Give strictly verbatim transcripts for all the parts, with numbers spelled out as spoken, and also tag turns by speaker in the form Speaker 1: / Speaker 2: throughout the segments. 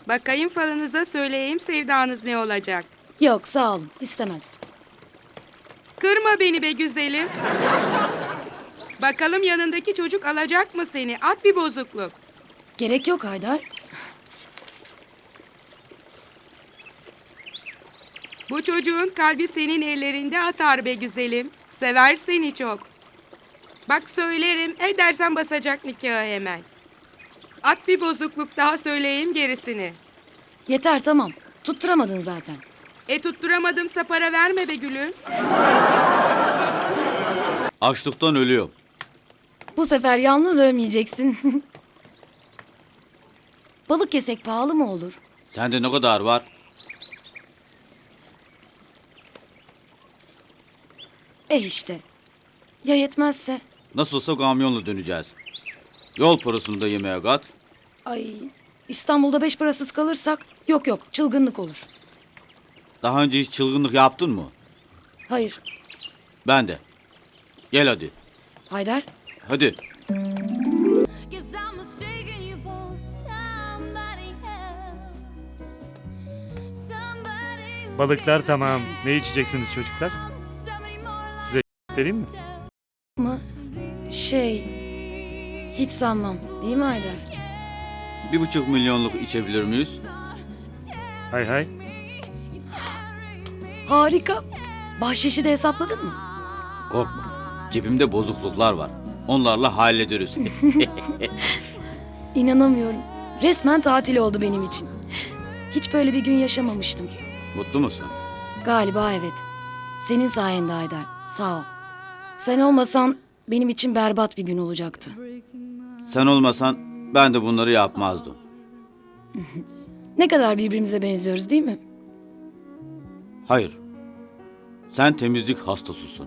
Speaker 1: Bakayım falınıza, söyleyeyim sevdanız ne olacak.
Speaker 2: Yok sağ olun, istemez.
Speaker 1: Kırma beni be güzelim. Bakalım yanındaki çocuk alacak mı seni? At bir bozukluk.
Speaker 2: Gerek yok Haydar.
Speaker 1: Bu çocuğun kalbi senin ellerinde atar be güzelim. Sever seni çok. Bak söylerim, edersen basacak nikahı hemen. At bir bozukluk daha, söyleyeyim gerisini.
Speaker 2: Yeter tamam, tutturamadın zaten.
Speaker 1: E tutturamadımsa para verme be gülüm.
Speaker 3: Açlıktan ölüyorum.
Speaker 2: Bu sefer yalnız ölmeyeceksin. Balık yesek pahalı mı olur?
Speaker 3: Sende ne kadar var?
Speaker 2: Eh işte. Ya yetmezse?
Speaker 3: Nasılsa kamyonla döneceğiz. Yol parasını da yemeğe kat.
Speaker 2: Ay, İstanbul'da beş parasız kalırsak yok yok çılgınlık olur.
Speaker 3: Daha önce hiç çılgınlık yaptın mı?
Speaker 2: Hayır.
Speaker 3: Ben de. Gel hadi.
Speaker 2: Haydar,
Speaker 3: Hadi.
Speaker 4: Guess I'm mistaken you for somebody else. Somebody who
Speaker 5: Balıklar tamam. Ne içeceksiniz çocuklar?
Speaker 4: somebody more
Speaker 5: Size vereyim mi?
Speaker 2: mı? Şey, hiç sanmam değil mi Haydar?
Speaker 3: Bir buçuk milyonluk içebilir miyiz?
Speaker 5: Hay hay.
Speaker 2: Harika. Bahşişi de hesapladın mı?
Speaker 3: Korkma. Cebimde bozukluklar var. Onlarla hallederiz.
Speaker 2: İnanamıyorum. Resmen tatil oldu benim için. Hiç böyle bir gün yaşamamıştım.
Speaker 3: Mutlu musun?
Speaker 2: Galiba evet. Senin sayende Haydar. Sağ ol. Sen olmasan benim için berbat bir gün olacaktı.
Speaker 3: Sen olmasan ben de bunları yapmazdım.
Speaker 2: Ne kadar birbirimize benziyoruz değil mi?
Speaker 3: Hayır. Sen temizlik hastasısın.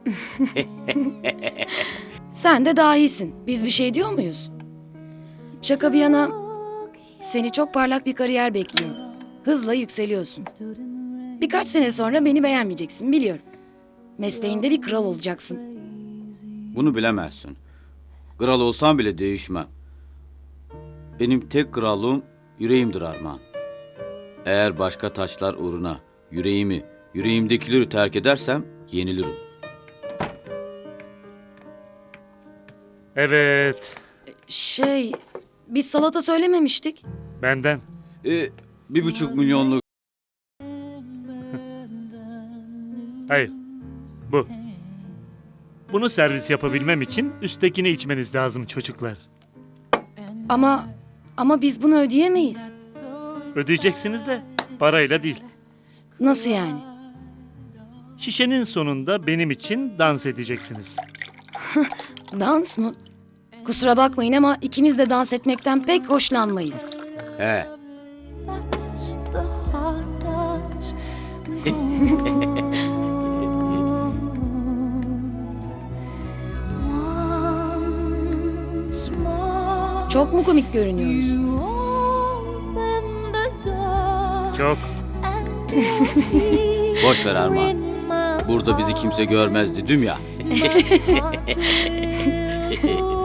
Speaker 2: Sen de dahisin. Biz bir şey diyor muyuz? Şaka bir yana seni çok parlak bir kariyer bekliyor. Hızla yükseliyorsun. Birkaç sene sonra beni beğenmeyeceksin biliyorum. Mesleğinde bir kral olacaksın.
Speaker 3: Bunu bilemezsin. Kral olsam bile değişmem. Benim tek krallığım yüreğimdir Armağan. Eğer başka taçlar uğruna yüreğimi, yüreğimdekileri terk edersem yenilirim.
Speaker 5: Evet.
Speaker 2: Şey, biz salata söylememiştik.
Speaker 5: Benden.
Speaker 3: E, bir buçuk milyonluk
Speaker 5: Hayır. Bu. Bunu servis yapabilmem için üsttekini içmeniz lazım çocuklar.
Speaker 2: Ama ama biz bunu ödeyemeyiz.
Speaker 5: Ödeyeceksiniz de parayla değil.
Speaker 2: Nasıl yani?
Speaker 5: Şişenin sonunda benim için dans edeceksiniz.
Speaker 2: Dans mı? Kusura bakmayın ama ikimiz de dans etmekten pek hoşlanmayız.
Speaker 3: he,
Speaker 4: the heart does. Once more,
Speaker 2: Çok mu komik görünüyoruz?
Speaker 4: you open the door
Speaker 5: Çok.
Speaker 4: and you'll
Speaker 3: boş ver Armağan.
Speaker 4: in my
Speaker 3: Burada bizi kimse görmez dedim ya.
Speaker 4: heart will